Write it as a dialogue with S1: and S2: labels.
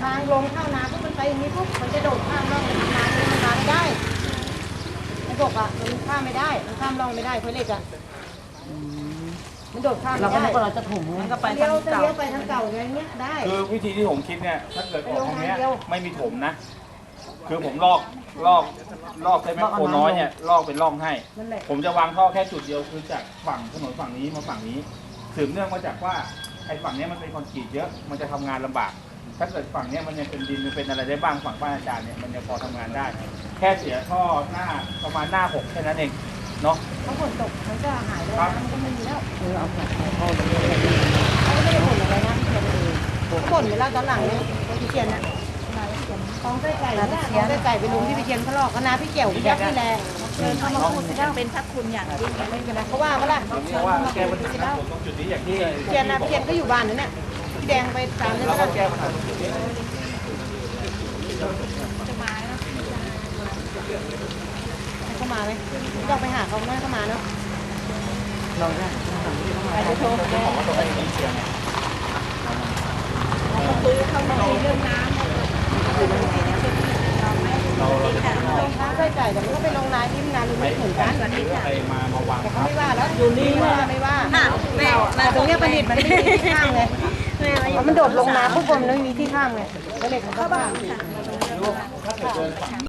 S1: างลงเข้านาปุ๊บมันไปอย่างนี้ปุ๊บมันจะโดดข้ามร่องไปทางนามันมาไม่ได้ไอ้บกอ่ะมันข้ามไม่ได้มันข้ามร่องไม่ได้เพราะเหล็กอ่ะมันโดดข้ามไม่ได้เราจะถุงมันก็ไปทางเก่าไปทางเก่าอย่างเงี้ยได้
S2: คือวิธีที่ผมคิดเนี่ยถ้าเกิดออกตรงเนี้ยไม่มีถมนะคือผมลอกใช้แมคโครน้อยเนี่ยลอกเป็นร่องให้ผมจะวางท่อแค่จุดเดียวคือจากฝั่งถนนฝั่งนี้มาฝั่งนี้สืบเนื่องมาจากว่าไอ้ฝั่งนี้มันเป็นคอนกรีตเยอะมันจะทำงานลำบากถ้าเกิดฝั่งนี้มันยังเป็นดินมันเป็นอะไรได้บ้างฝั่งบ้านอาจารย์เนี่ยมันยังพอทำงานได้ แค่เสียท่อหน้าประมาณหน้า6แค่นั้นเองเนาะ
S1: ถ้าฝนตกมันก็หายเลยนะมันก็ไม่มีแล้วเอาท่อลงเลยไม่ได้บ่นอะไรนะพี่เชียนบ่นไปแล้วตอนหลังเนี่ยพี่เชียนนะของไส้ไก่ของไส้ไก่ไปลุงที่พี่เชียนเขาลอกคณะพี่เกี่ยวพี่ยักษ์นี่แหละเชิญเขามาพูดแล้วเป็นพระคุณอย่างยิ่งไม่เป็นไรเขาว่าก็ล่ะเชิญเขามาพูดแล้ว
S2: ตรงจุดนี้อย่างที่
S1: เชียนนะพี่เชียนก็อยู่บ้านนั่นเนี่ยพี่แดงไปตามนั่นแล้ว
S2: แก้ปัญหาตรงจุดนี้
S1: เข้ามาไหมลองไปหาเขาไม่เข้ามาเนาะลองได้ไปจะโทรเขาบอกว่าตัวเองมีเชียงคุยเขามาคุยเรื่องน้ำน้ำไส้ไก่แต่มันก็ไปลงนาที่นาลุงไม่เหมือนกัน
S2: ใครมาวาง
S1: แต่เขาไม่ว่าแล้วอยู่นี่ไม่ว่าแต่ตรงนี้ประดิษฐ์มันไม่มีที่ข้างเลยมันโดดลงนาปุ๊บมันไม่มีที่ข้างเลยก็เลยเขาบ้าง
S2: ถ้าเกิดเดินฝั่ง